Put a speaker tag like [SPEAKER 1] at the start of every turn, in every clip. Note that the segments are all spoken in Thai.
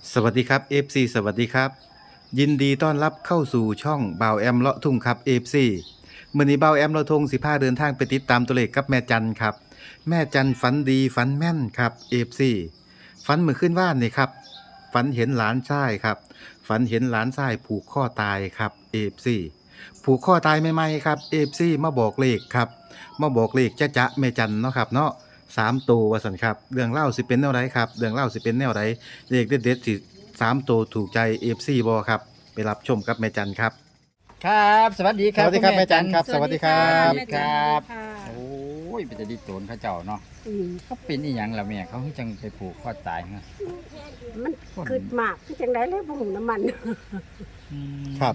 [SPEAKER 1] สวัสดีครับ FC สวัสดีครับยินดีต้อนรับเข้าสู่ช่องบ่าวแอมเลาะทุ่งครับ FC มื้อนี้บ่าวแอมเลาะทุ่งสิพาเดินทางไปติดตามตัวเลขกับแม่จันครับแม่จันฝันดีฝันแม่นครับ FC ฝันเมื่อคืนว่านนี่ครับฝันเห็นหลานชายครับฝันเห็นหลานชายผูกข้อตายครับ FC ผูกข้อตายใหม่ๆครับ FC มาบอกเลขครับมาบอกเลขจ๊ะแม่จันเนาะครับเนาะ3 ตัวว่าซั่นครับเรื่องเล่าสิเป็นแนวใดครับเรื่องเล่าสิเป็นแนวใด เลขเด็ดๆสิ3 ตัวถูกใจ FC บ่ครับไปรับชมกับแม่จันครับ
[SPEAKER 2] ครับสวัสดีครับ
[SPEAKER 1] สวัสดีครับ
[SPEAKER 2] ณ
[SPEAKER 1] แม่จันครับสวัสดีครับ
[SPEAKER 2] สวัสดีครับ
[SPEAKER 3] ค่ะ
[SPEAKER 2] โอ้ยเป็นจะดีโจรเขาเจ้าเนาะ
[SPEAKER 3] อืม
[SPEAKER 2] เขาเป็นอีหยังล่ะแม่เขาคือจังไปผูกคอตายฮะ
[SPEAKER 3] มันคืดมากที่จังไดเลยบ่หูน้ำมัน
[SPEAKER 1] ครับ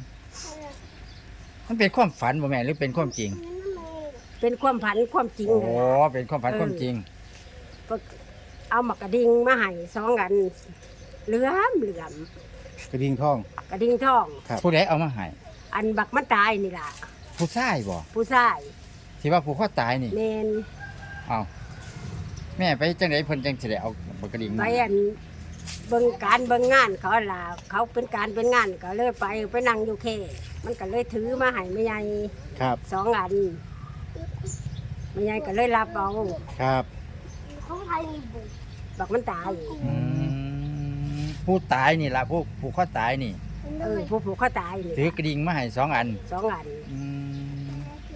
[SPEAKER 2] มันเป็นความฝันบ่แม่หรือเป็นความจริง
[SPEAKER 3] เป็นความผันความจริง
[SPEAKER 2] โอ้
[SPEAKER 3] นั่นล่ะ
[SPEAKER 2] เป็นความฝันความจริง
[SPEAKER 3] เอาหมากกระดิ่งมาให้2 อันเหลือม
[SPEAKER 1] กระดิ่งทอง
[SPEAKER 3] กระดิ่งทอง
[SPEAKER 1] ครับ
[SPEAKER 2] ผู้ใดเอามาให้
[SPEAKER 3] อันบักมันตายนี่ล่ะ
[SPEAKER 2] ผู้ชายบ่
[SPEAKER 3] ผู้ชาย
[SPEAKER 2] ที่ว่าผูกคอตายนี่
[SPEAKER 3] แม่น
[SPEAKER 2] เอ้าแม่ไปจังไดเพิ่นจังสิได้เอาปากกระดิ่ง
[SPEAKER 3] ไป
[SPEAKER 2] มา
[SPEAKER 3] อันเบิ่งการเบิ่งงานเขาล่ะเขาเป็นการเป็นงานก็เลยไปนั่งอยู่แค่มันก็เลยถือมาให้แม่ใหญ่
[SPEAKER 1] ครับ
[SPEAKER 3] 2 อันแม่ใหญ่ก็เลยรับเอา
[SPEAKER 1] ครับ
[SPEAKER 3] บักมันตาย
[SPEAKER 2] อืมผู้ตายนี่ล่ะผู้ผูกคอตายนี่
[SPEAKER 3] ผู้ผูกเขาตายนี่
[SPEAKER 2] ถือกระดิ่งมาให้2 อัน
[SPEAKER 3] 2 อัน
[SPEAKER 2] อืม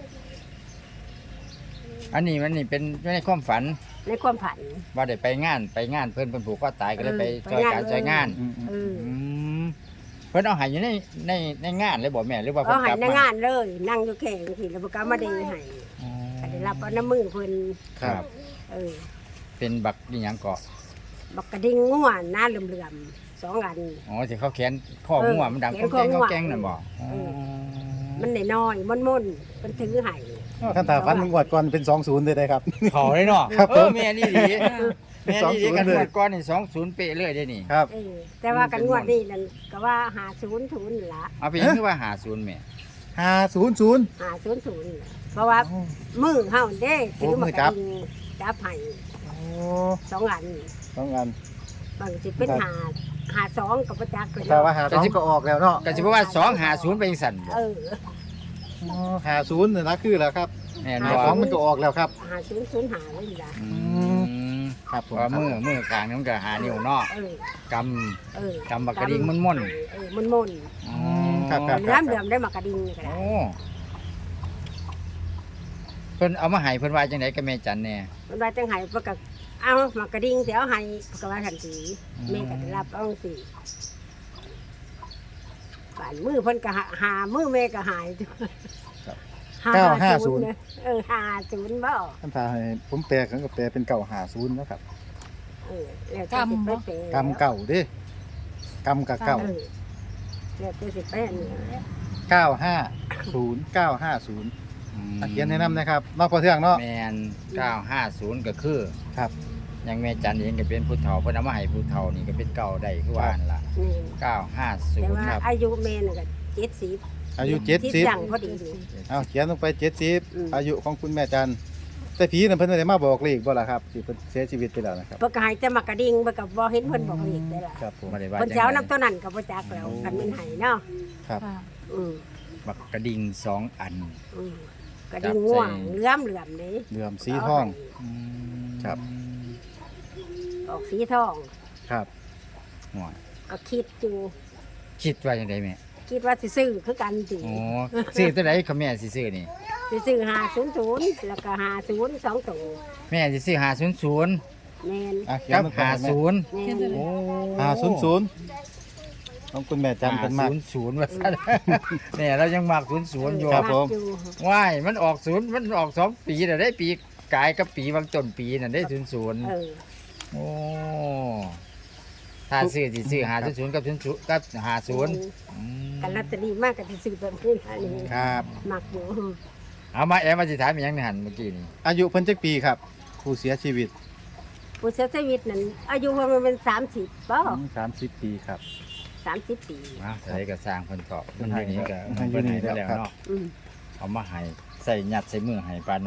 [SPEAKER 2] อันนี้มันนี่เป็นในความฝัน
[SPEAKER 3] ในความผัน
[SPEAKER 2] ว่าได้ไปงานเพิ่นผูกคอตายก็เลยไป
[SPEAKER 3] ไป
[SPEAKER 2] ช่วยการ
[SPEAKER 3] งาน
[SPEAKER 2] ช่วยงาน
[SPEAKER 1] อืม
[SPEAKER 3] เออ
[SPEAKER 2] อืมเพิ่นเอาใหายอยู่ในงานเลยบ่แม่หรือว่า
[SPEAKER 3] เอา
[SPEAKER 2] เพิ่น
[SPEAKER 3] ให้
[SPEAKER 2] กลับ
[SPEAKER 3] ใน
[SPEAKER 2] มาง
[SPEAKER 3] านเลย นั่งอยู่แข่งสิแล้วบ่กล้ามาได้ให้
[SPEAKER 2] อ๋อ
[SPEAKER 3] ก็ได้รับเอาน้ำมือเพิ่น
[SPEAKER 1] ครับ
[SPEAKER 3] เออ
[SPEAKER 2] เป็นบักนี่หยังเกาะ
[SPEAKER 3] บักกระดิ่งง่วนหน้าเหลื่อมๆ2 อัน
[SPEAKER 2] อ๋อที่เขาแขนข้องัวมันดัง
[SPEAKER 3] แข
[SPEAKER 2] ก้
[SPEAKER 3] น
[SPEAKER 2] อง
[SPEAKER 3] ข้อ
[SPEAKER 2] แกง
[SPEAKER 3] งั
[SPEAKER 2] ก้
[SPEAKER 3] ว
[SPEAKER 2] องแกงนั่นบ่อ๋อ
[SPEAKER 3] มันน้อยๆม่นๆเพิ่นถือให้
[SPEAKER 1] คันตาฟันงวดก่อนเป็น20เลยได้ครับ
[SPEAKER 2] เขาเลยเนาะ
[SPEAKER 1] ครับผม
[SPEAKER 2] แม่นี่ดีแม่นี่ดี
[SPEAKER 1] 20
[SPEAKER 2] กัน
[SPEAKER 1] เลย
[SPEAKER 2] หมดก่อนนี่20เป๊ะเลยเด้นี่
[SPEAKER 1] ครับ
[SPEAKER 3] เออแต่ว่ากันงวดนี้นั่นก็ว่า50นี่ล่ะ
[SPEAKER 2] เอาไปยังคือว่า50แม่
[SPEAKER 1] 500
[SPEAKER 3] 500นี่ล่ะเพราะว่ามือเฮาเด้ถือ
[SPEAKER 1] โอ้มื
[SPEAKER 3] มา
[SPEAKER 1] อก จั
[SPEAKER 3] ระ
[SPEAKER 1] บ
[SPEAKER 3] ดิ่งจับให้
[SPEAKER 1] โอ้
[SPEAKER 3] 2 อัน
[SPEAKER 1] ต้องงาน
[SPEAKER 3] บางสิเป็น5 2กับประจักษ์เลย
[SPEAKER 1] ถ้า
[SPEAKER 3] เนาะ
[SPEAKER 1] ว่า2ก็ออกแล้วเนาะ
[SPEAKER 2] ก็สิบอกว่า250ไปจังซั่นบ่
[SPEAKER 3] เออ
[SPEAKER 1] 50นี่นะคือแล้วครับ
[SPEAKER 2] แม่น
[SPEAKER 1] หา
[SPEAKER 2] บ่
[SPEAKER 1] ของมันก็ออกแล้วครับ
[SPEAKER 3] 5005เลยล่ะ
[SPEAKER 2] อืม
[SPEAKER 1] ครับผม
[SPEAKER 2] ว่ามือข้างนึงมันก็หานิ้วเนาะ
[SPEAKER 3] เออ
[SPEAKER 2] ก
[SPEAKER 3] เออก
[SPEAKER 2] ำบักกระดิ่งม่น
[SPEAKER 3] เออม่น
[SPEAKER 2] ำ
[SPEAKER 1] อืมครับครับ
[SPEAKER 3] ๆน้ำเหลือมได้มากระดิ่งนี่ก็ได้
[SPEAKER 2] โอ้เพิ่นเอามาให้เพิ่นว่าจังไดกับแม่จันแน่
[SPEAKER 3] มันว่าจังไห้เพิ่นก็เอามากระดิ่งสิเอาให้เพิ่นก็ว่าทันที
[SPEAKER 2] อืม
[SPEAKER 3] แม่ก็ได้รับเอาสิฝ่านมือเพิ่นก็หามือแม่ก็หาย
[SPEAKER 1] 950
[SPEAKER 3] เนี่ย50บ่
[SPEAKER 1] คันตาให้ผมแปลกันก็แปลเป็น950นะครับ
[SPEAKER 3] เออแล้วแต่สิไปเปย์
[SPEAKER 1] กำเก่าเด้กำกับเก่า
[SPEAKER 3] เออแล้วแต่สิไปอันนี้
[SPEAKER 1] 950 950เขียนให้นำนะครับนอกพอเทืองเนาะ
[SPEAKER 2] แม่น950ก็คือ
[SPEAKER 1] ครับ
[SPEAKER 2] ยังแม่จันเองก็เป็นผู้เฒ่าเพิ่นเอามาให้ผู้เฒ่านี่ก็เป็นเก่าได้คือว่านั่นล่ะ
[SPEAKER 3] นี่แต่
[SPEAKER 2] 950
[SPEAKER 3] ว่า
[SPEAKER 2] ครับ
[SPEAKER 3] อายุแม่น่ะก็70
[SPEAKER 1] อายุ
[SPEAKER 3] ที่ดังพอดีนี่
[SPEAKER 1] เอาเขียนลงไป
[SPEAKER 3] อืม
[SPEAKER 1] 70อายุของคุณแม่จันแต่ผีนั่นเพิ่นบ่ได้มาบอกเลขบ่ล่ะครับที่เพิ่นเสียชีวิตไปแล้วนะครับ
[SPEAKER 3] เพิ่นก็ให้แต่มากระดิ่งเพิ่นก็บ่เห็นเพิ่นบอกอีกได้ล่ะ
[SPEAKER 1] ครับผม
[SPEAKER 2] บ่ได้ว่า
[SPEAKER 3] เพิ่น
[SPEAKER 2] จัง
[SPEAKER 3] สิเอา
[SPEAKER 2] ได๋
[SPEAKER 3] น้ำตัวนั้นก็บ่จักแล้วกันมันให้เนาะ
[SPEAKER 1] ครับ
[SPEAKER 3] อืม
[SPEAKER 2] บักกระดิ่ง2 อัน
[SPEAKER 3] อืมกระดิ่งง่วง
[SPEAKER 2] จับใส่
[SPEAKER 3] เหลื่อมนี่
[SPEAKER 1] เหลื่อมสีทอง ครับ
[SPEAKER 3] ออกสีทอง
[SPEAKER 1] ครับ
[SPEAKER 2] หัว
[SPEAKER 3] ก็คิดอยู่
[SPEAKER 2] คิดว่าจังได๋แม่
[SPEAKER 3] คิดว่าสิซื้อคือกันสิ
[SPEAKER 2] อ๋อซื้อตัวใดก็แม่สิซื้อนี่
[SPEAKER 3] สิซื้อ500แล้วก็50 2ตัว
[SPEAKER 2] แม่สิซื้อ500
[SPEAKER 3] แม่น
[SPEAKER 1] อ่ะเขียน
[SPEAKER 2] กับ
[SPEAKER 1] ลงไปให้แม่
[SPEAKER 2] 50
[SPEAKER 3] แม่น
[SPEAKER 2] โอ้
[SPEAKER 1] 500ของคุณแม่จันเพิ่นมาก
[SPEAKER 2] 00ว่าซั่น เนี่ยเรายังมัก00อยู่
[SPEAKER 1] ครับผม
[SPEAKER 3] อยู่
[SPEAKER 2] ว้ายมันออก0มันออก2ปีแล้วได้ปีกายกับปีบางต้นปีนั่นได้
[SPEAKER 3] เอ
[SPEAKER 2] 00
[SPEAKER 3] อ
[SPEAKER 2] โอ้ถ้าซื้อสิซื้อ500กับ00กับ50อืม
[SPEAKER 3] กันลอตเตอรี่มากก็สิซื้อแบบนี้อันนี้
[SPEAKER 1] ครับ
[SPEAKER 3] มักอยู่
[SPEAKER 2] เอามาแอมมาสิถามอีหยังในหั่นเมื่อกี้นี่
[SPEAKER 1] อายุเพิ่นจักปีครับ ผู้เสียชีวิต
[SPEAKER 3] ผู้เสียชีวิตนั้นอายุเพิ่นเป็น30บ่
[SPEAKER 1] 30 ปีครับ
[SPEAKER 3] 30 ปี
[SPEAKER 2] มาใส่ก็สร้างเพิ่นตอบมันอยู่นี่ก็
[SPEAKER 1] มันอยู่
[SPEAKER 2] เพิ่น
[SPEAKER 1] นี่
[SPEAKER 2] ให้ไป
[SPEAKER 1] แล้
[SPEAKER 2] แล้ว ว
[SPEAKER 1] ครับ
[SPEAKER 2] เนาะ
[SPEAKER 3] อืม
[SPEAKER 2] เอามาให้ใส่ยัดใส่มือให้ปานนั้น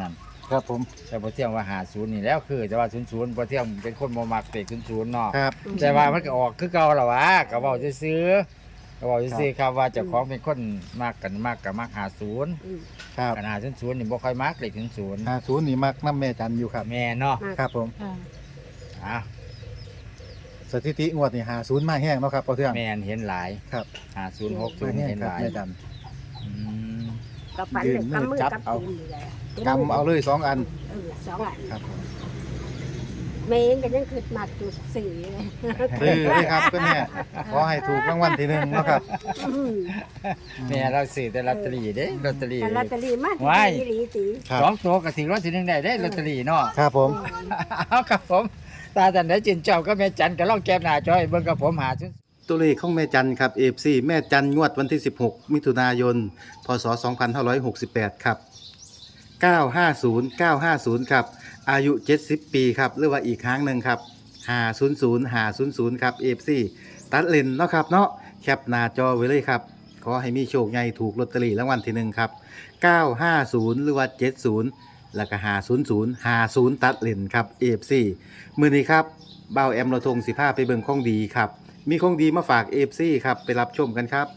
[SPEAKER 1] ครับผม
[SPEAKER 2] แต่พอเที่ยงว่า50นี่แล้วคือแต่ว่า00พอเที่ยงเป็นคนบ่มักเลข00เนาะ
[SPEAKER 1] ครับ
[SPEAKER 2] แต่ว่ามันก็ออกคือเก่าแล้ววะก็เว้าซื่อๆก็เว้าซื่อๆครับว่าเจ้าของเป็นคนมักกันมักก็มัก50
[SPEAKER 3] อืม
[SPEAKER 1] ครับ
[SPEAKER 2] กัน50นี่บ่ค่อยมักเลข00
[SPEAKER 1] 50นี่มักน้ำแม่จันอยู่ครับ
[SPEAKER 2] แม่เนาะ
[SPEAKER 1] ครับผม
[SPEAKER 4] ค่ะ
[SPEAKER 2] อ่ะ
[SPEAKER 1] สถิติงวดนี่50มาแห้งเนาะครับพอเทื่อง
[SPEAKER 2] แม่นเห็นหลาย
[SPEAKER 1] ครับ
[SPEAKER 2] 50
[SPEAKER 1] มา
[SPEAKER 2] 60
[SPEAKER 1] แห้ง
[SPEAKER 2] เห็น
[SPEAKER 1] ค
[SPEAKER 2] ห
[SPEAKER 1] รับ
[SPEAKER 2] ลาย
[SPEAKER 1] แม่จัน
[SPEAKER 2] อืม
[SPEAKER 3] ก็ฝันเลยกำมือ
[SPEAKER 2] จับ
[SPEAKER 3] กับ
[SPEAKER 2] เอา
[SPEAKER 3] ตีนอยู่เลย
[SPEAKER 1] กำเอาเลย2อัน
[SPEAKER 3] สองอัน
[SPEAKER 1] ครับผม
[SPEAKER 3] แม่เองก็ยังคือมาจุดสี่เลย
[SPEAKER 1] ซื้อเลยครับคุณแม่ขอให้ถูกรางวัลที่1เนาะครับ
[SPEAKER 3] อืม
[SPEAKER 2] แม่เราซื้อแต่ลอตเตอรี่เด้ลอตเตอรี่
[SPEAKER 3] แต่ลอตเตอรี่มาก
[SPEAKER 2] ว้าย
[SPEAKER 3] อีหลีตี
[SPEAKER 1] ครับ
[SPEAKER 2] สองตัวก็ถึงรางวัลที่1ได้เด้ลอตเตอรี่เนาะ
[SPEAKER 1] ครับผม
[SPEAKER 2] เอาครับผม ตาจันได้จินเจ้าก็แม่จันก็ลองแก้มหน้าจอยเบิ่งกับผมหาชุด
[SPEAKER 1] ตัวเลขของแม่จันครับ FC แม่จันงวดวันที่ 16 มิถุนายน พศ 2568 ครับ 950 950 ครับ อายุ 70 ปีครับ หรือว่าอีกครั้งหนึ่งครับ500 500 ครับ FC ตัดเลนเนาะครับเนาะแคปหน้าจอไว้เลยครับ ขอให้มีโชคใหญ่ถูกลอตเตอรี่รางวัลที่ 1 ครับ 950 หรือว่า 70 แล้วก็500 50 ตัดเลนครับ FC มื้อนี้ครับบ่าวแอมเราทง15ไปเบิ่งของดีครับ มีของดีมาฝาก FC ครับ ไปรับชมกันครับ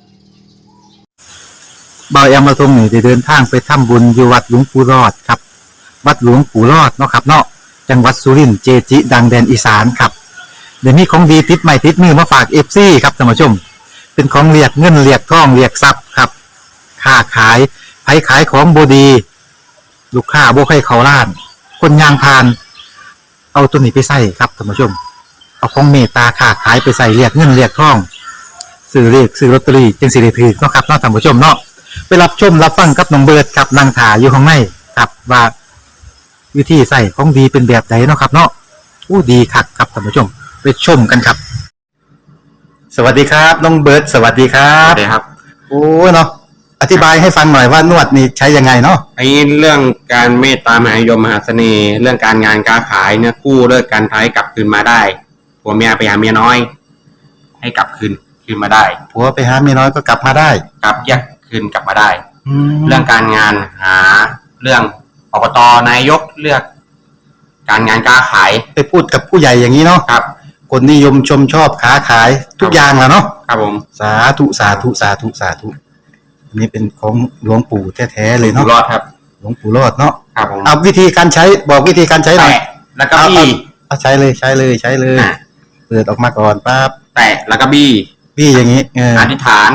[SPEAKER 1] บ่าวแอมเราทงนี่ได้เดินทางไปทำบุญอยู่วัดหลวงปู่รอดครับ วัดหลวงปู่รอดเนาะครับเนาะจังหวัดสุรินทร์เจจิ ดังแดนอีสานครับเดี๋ยวนี้ของดีติดใหม่ติดมือมาฝาก FC ครับท่านผู้ชม เป็นของเรียกเงินเรียกทองเรียกทรัพย์ครับค้าขายไผขายของบดี ลูกค้าบ่ให้เขาล้าน คนยางพาน เอาตัวนี้ไปใส่ครับท่านผู้ชม เอาของเมตตาค้าขายไปใส่เรียกเงินเรียกทองซื้อเรียกซื้อลอตเตอรี่จึงสิได้ถือเนาะครับเนาะท่านผู้ชมเนาะไปรับชมรับฟังกับน้องเบิร์ดครับนางถาอยู่ข้างในครับว่าวิธีใส่ของดีเป็นแบบไหนเนาะครับเนาะอู้ดีคักครับท่านผู้ชม ไปชมกันครับ สวัสดีครับน้องเบิร์ดสวัสดีครั
[SPEAKER 5] ครับ บครับ
[SPEAKER 1] โอ้เนาะอธิบายให้ฟังหน่อยว่านวดนี่ใช้ยังไงเนาะ
[SPEAKER 5] ไอ้เรื่องการเมตตามหานิยมมหาเสน่ห์ เรื่องการงานการขายเนี่ยกู้เลิกการท้ายกลับคืนมาได้ผัวเมียไปหาเมียน้อย ให้กลับคืนมาได้
[SPEAKER 1] ผัวไปหาเมียน้อยก็กลับมาได้
[SPEAKER 5] กลับแยกคืนกลับมาได้
[SPEAKER 1] แล้
[SPEAKER 5] เรื่
[SPEAKER 1] ว
[SPEAKER 5] องการงานหาเรื่องอบตนายกเลือก การงานการขาย
[SPEAKER 1] ไปพูดกับผู้ใหญ่อย่างนี้เนาะ
[SPEAKER 5] ครับ
[SPEAKER 1] คนนิยมชมชอบค้าขายทุกอย่างแหล้วเนาะ
[SPEAKER 5] ครับผม
[SPEAKER 1] สาธุสาธุสาธุสาธุอันนี้เป็นของหลวงปู่แท้ๆเลย
[SPEAKER 5] อยู่
[SPEAKER 1] เนาะ
[SPEAKER 5] รอดครับ
[SPEAKER 1] หลวงปู่รอดเนาะ
[SPEAKER 5] ครับผม
[SPEAKER 1] เอาวิธีการใช้บอกวิธีการใช้หน่อย
[SPEAKER 5] แตะแล้วก็บี้
[SPEAKER 1] เอาใช้เลยใช้เลยใช้เลย
[SPEAKER 5] อ่ะ
[SPEAKER 1] เปิดออกมาก่อนปั๊บ
[SPEAKER 5] แตะแล้วก็บี้
[SPEAKER 1] พี่อย่างนี้เออ
[SPEAKER 5] อธิษฐาน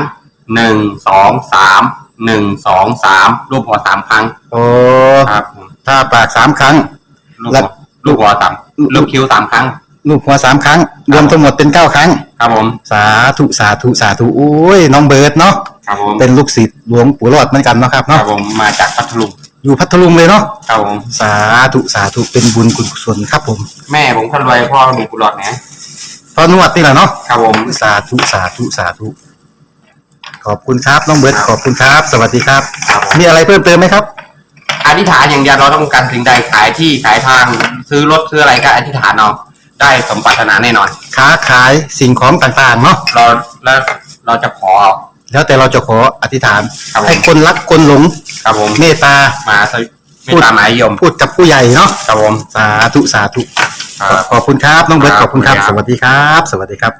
[SPEAKER 5] 1 2 3 1 2 3รูปหัวสามครั้ง
[SPEAKER 1] โอ้
[SPEAKER 5] ครับผม
[SPEAKER 1] ถ้าปาก3 ครั้ง
[SPEAKER 5] ลูก
[SPEAKER 1] แล้
[SPEAKER 5] หั
[SPEAKER 1] ว
[SPEAKER 5] วลูกหัวสามลูกคิ้ว3 ครั้ง
[SPEAKER 1] ลูกหัว3 ครั้ง รวมทั้งหมดเป็น9 ครั้ง
[SPEAKER 5] ครับผม
[SPEAKER 1] สาธุสาธุสาธุโอ้ยน้องเบิร์ดเนาะ
[SPEAKER 5] ครับผม
[SPEAKER 1] เป็นลูกศิษย์หลวงปู่รอดเหมือนกันเนาะครับ
[SPEAKER 5] ครั
[SPEAKER 1] เนาะ
[SPEAKER 5] บผมมาจากพัทลุง
[SPEAKER 1] อยู่พัทลุงเลยเนาะ
[SPEAKER 5] ครับผม
[SPEAKER 1] สาธุสาธุเป็นบุญคุณกุศลครับผม
[SPEAKER 5] แม่ผมคนรวยพ่อมีกุหลาบนะ
[SPEAKER 1] พอนวดนี่แหละเนาะ
[SPEAKER 5] ครับผม
[SPEAKER 1] สาธุสาธุสาธุขอบคุณครับน้องเบิร์ดขอบคุณครับ สวัสดีครับ
[SPEAKER 5] ครับผม
[SPEAKER 1] มีอะไรเพิ่มเติมไหมครับ
[SPEAKER 5] อธิษฐานอย่างเดียวเราต้องการสิ่งใดขายที่ขายทาง ซื้อรถซื้ออะไรก็อธิษฐานเอาได้สมปรารถนาแน่นอน
[SPEAKER 1] ค้าขายสิ่งของต่างๆเนาะ
[SPEAKER 5] เราแล้วเราจะขอ
[SPEAKER 1] แล้วแต่เราจะขออธิษฐาน
[SPEAKER 5] ครับผม
[SPEAKER 1] ให้คนรักคนหลง
[SPEAKER 5] ครับผม
[SPEAKER 1] เมตตา
[SPEAKER 5] มาสวิไม่ตามหมายยม
[SPEAKER 1] พูดกับผู้ใหญ่เนาะ
[SPEAKER 5] ครับผม
[SPEAKER 1] สาธุสาธุ
[SPEAKER 5] ครับ
[SPEAKER 1] ขอบคุณครับน้องเบิร์ต
[SPEAKER 5] ค
[SPEAKER 1] ข
[SPEAKER 5] รับ
[SPEAKER 1] อบคุณครับ
[SPEAKER 5] ขอบ
[SPEAKER 1] ส
[SPEAKER 5] คุณครับ
[SPEAKER 1] วัสดีครับ สวัสดีครับ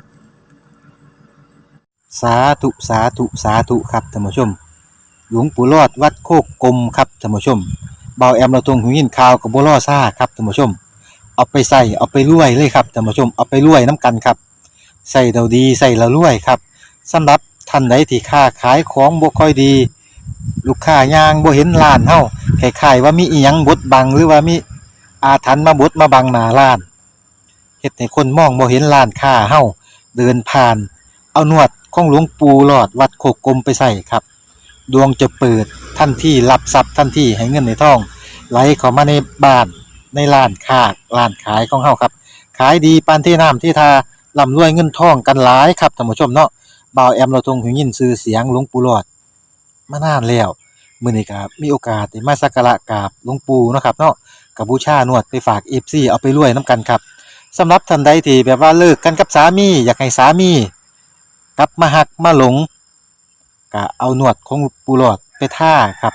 [SPEAKER 1] สาธุสาธุสาธุครับท่านผู้ชม หลวงปู่รอดวัดโคกกลมครับท่านผู้ชมเบาแอมเราตรงหูยินข่าวกับบัวล่อซ่าครับท่านผู้ชม เอาไปใส่เอาไปรวยเลยครับท่านผู้ชมเอาไปรวยน้ำกันครับใส่เราดีใส่เรารวยครับสำหรับท่านใดที่ค้าขายของบ่ค่อยดี ลูกค้ายางบ่เห็นร้านเฮาคล้ายๆว่ามีอีหยังบดบังหรือว่ามีอาถรรพ์มาบดมาบังหน้าร้านเฮ็ดให้คนมองบ่เห็นร้านค้าเฮาเดินผ่าน เอานวดของหลวงปู่หลอดวัดโคกกลมไปใส่ครับดวงจะเปิดทันทีรับทรัพย์ทันทีให้เงินในท้องไหลเข้ามาในบ้านในร้านค้าร้านขายของเฮาครับขายดีปานที่น้ำที่ทาร่ำรวยเงินทองกันหลายครับท่านผู้ชมเนาะบ่าวแอมเราทรงหูยินชื่อเสียงหลวงปู่หลอดมานานแล้วมื้อนี้ก็มีโอกาสได้มาสักการะกราบหลวงปู่เนาะครับเนาะก็บูชานวดไปฝาก FC เอาไปรวยนํกันครับสำหรับท่านใดที่แบบว่าเลิกกันกับสามีอยากให้สามีกลับมาหักมาหลงก็เอานวดของปูหลอดไปท่าครับ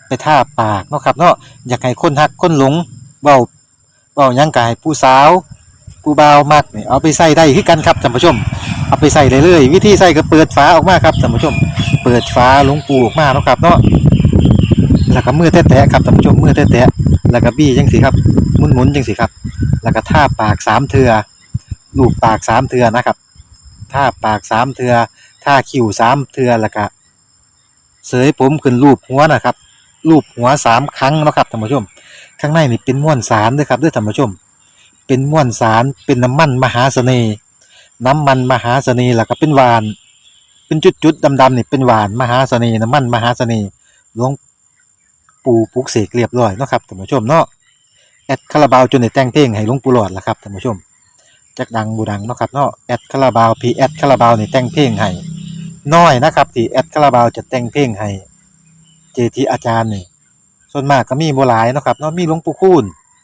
[SPEAKER 1] ไปท่าปากเนาะครับเนาะอยากให้คนฮักคนหลงเว้าหยังกายผู้สาวผู้บ่าวมักนี่เอาไปใส่ได้คือกันครับท่านผู้ชมเอาไปใส่ได้เลยวิธีใส่ก็เปิดฝาออกมาครับท่านผู้ชมเปิดฝาหลวงปูออกมาเนาะครับเนาะแล้วก็มือแตะๆครับท่านผู้ชมมือแตะๆแล้วก็บี้จังสิครับหมุนๆจังสิครับแล้วก็ท่าปาก3เทื่อลูบปาก3เทื่อนะครับท่าปาก3เทื่อท่าคิ้ว3เทื่อแล้วก็เสยผมขึ้นรูปหัวนะครับรูปหัว3ครั้งเนาะครับท่านผู้ชมข้างในนี่เป็นม้วนสารเด้อครับเด้อท่านผู้ชมเป็นม้วนสารเป็นน้ำมันมหาเสน่ห์น้ำมันมหาเสน่ห์แล้วก็เป็นหวานเป็นจุดๆดำๆนี่เป็นหวานมหาเสน่ห์น้ำมันมหาเสน่ห์หลวงปู่ปลุกเสกเรียบร้อยเนาะครับท่านผู้ชมเนาะแอดคาราบาวจนได้แต่งเพลงให้หลวงปู่หลอดล่ะครับท่านผู้ชมจักดังบูดังเนาะครับเนาะแอดคาราบาวพีแอดคาราบาวนี่แต่งเพลงให้น้อยนะครับที่แอดคาราบาวจะแต่งเพลงให้เจทีอาจารย์นี่ส่วนมากก็มีบ่หลายเนาะครับเนาะมีหลวงปู่คูณ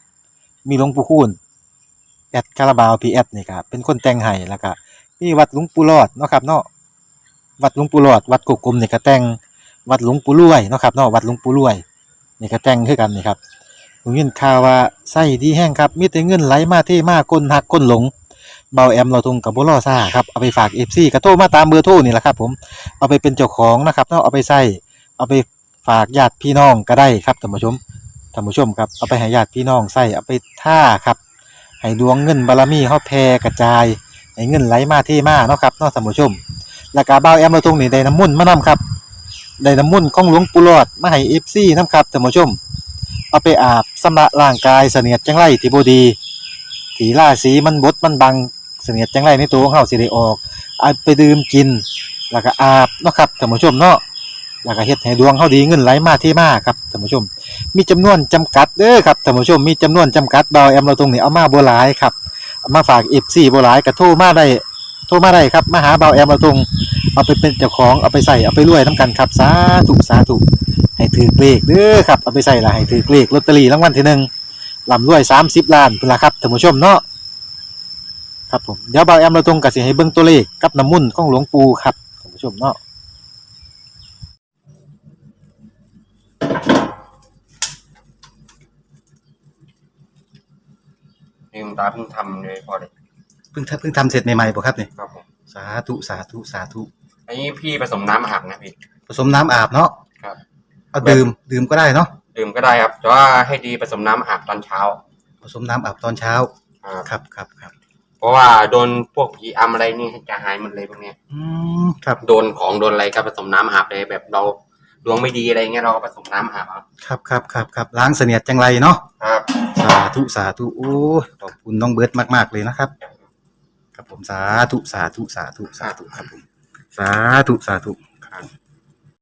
[SPEAKER 1] แอดคาราบาวพีแอดนี่ครับเป็นคนแต่งให้แล้วก็มีวัดหลวงปู่หลอดเนาะครับเนาะวัดหลวงปู่หลอดวัดกุกกลมนี่ก็แต่งวัดหลวงปู่รวยเนาะครับเนาะวัดหลวงปู่รวยนี่ก็แต่งคือกันนี่ครับผมยินข่าวว่าไส้ดีแห้งครับมีแต่เงินไหลมาเทมาคนหักคนหลงเบาแอมเราทงกับบ่รอซ่าครับเอาไปฝาก FC ก็โทรมาตามเบอร์โทรนี่แหละครับผมเอาไปเป็นเจ้าของนะครับเนาะเอาไปใส่เอาไปฝากญาติพี่น้องก็ได้ครับท่านผู้ชมครับเอาไปให้ญาติพี่น้องใส่เอาไปท่าครับให้ดวงเงินบารมีเฮาแผ่กระจายให้เงินไหลมาเทมาเนาะครับเนาะท่านผู้ชมแล้วก็เบาแอมเราทงนี่ได้น้ำมนต์มานํครับได้น้ำมนต์ของหลวงปู่หลอดมาให้ FC นํครับท่านผู้ชมเอาไปอาบชำระร่างกายเสนียดจังไรที่บ่ดีที่ราศีมันบดมันบังเสนียดจังไรในตัวของเฮาสิได้ออกเอาไปดื่มกินแล้วก็อาบเนาะครับท่านผู้ชมเนาะแล้วก็เฮ็ดให้ดวงเฮาดีเงินไหลมาเทมาครับท่านผู้ชมมีจำนวนจำกัดเด้อครับท่านผู้ชมมีจำนวนจำกัดเบาแอมเราตรงนี้เอามาบ่หลายครับเอามาฝาก FC บ่หลายก็โทรมาได้ครับมาหาเบาแอมเราตรงเอาไปเป็นเจ้าของเอาไปใส่เอาไปรวยนํกันครับสาธุให้ถือเลขเด้อครับเอาไปใส่ละให้ถือเลขลอตเตอรี่รางวัลที่1ร่ำรวย30ล้านพุ่นล่ะครับท่านผู้ชมเนาะครับผมเดี๋ยวเบาแอมเราตรงก็สิให้เบิ่งตัวเลขกับน้ำมนต์ของหลวงปู่ครับท่านผู้ชมเนาะ
[SPEAKER 5] ลืมตาเพิ่งทำเลยพอเลย
[SPEAKER 1] เพิ่งทำเสร็จใหม่ๆบ่ครับนี่
[SPEAKER 5] ครับผม
[SPEAKER 1] สาธุ
[SPEAKER 5] อันนี้พี่ผสมน้ำอาบนะพี่
[SPEAKER 1] ผสมน้ำอาบเนาะ
[SPEAKER 5] ครับ
[SPEAKER 1] เอาดื่มก็ได้เนาะ
[SPEAKER 5] ดื่มก็ได้ครับแต่ว่าให้ดีผสมน้ำอาบตอนเช้า
[SPEAKER 1] ผสมน้ำอาบตอนเช้า
[SPEAKER 5] ครับ
[SPEAKER 1] ครับ
[SPEAKER 5] เพราะว่าโดนพวกผีอำอะไรนี่จะหายหมดเลยพวกเนี้ย
[SPEAKER 1] ครับ
[SPEAKER 5] โดนของโดนอะไรก็ผสมน้ำอาบเลยแบบเราดวงไม่ดีอะไรเงี้ยเราก็ผสมน้ำอาบเอา
[SPEAKER 1] ครับล้างเสนียดจังไรเนาะ
[SPEAKER 5] ครับ
[SPEAKER 1] สาธุโอ้ขอบคุณน้องเบิร์ตมากๆเลยนะครับครับผมสาธุครับผมสาธุครับ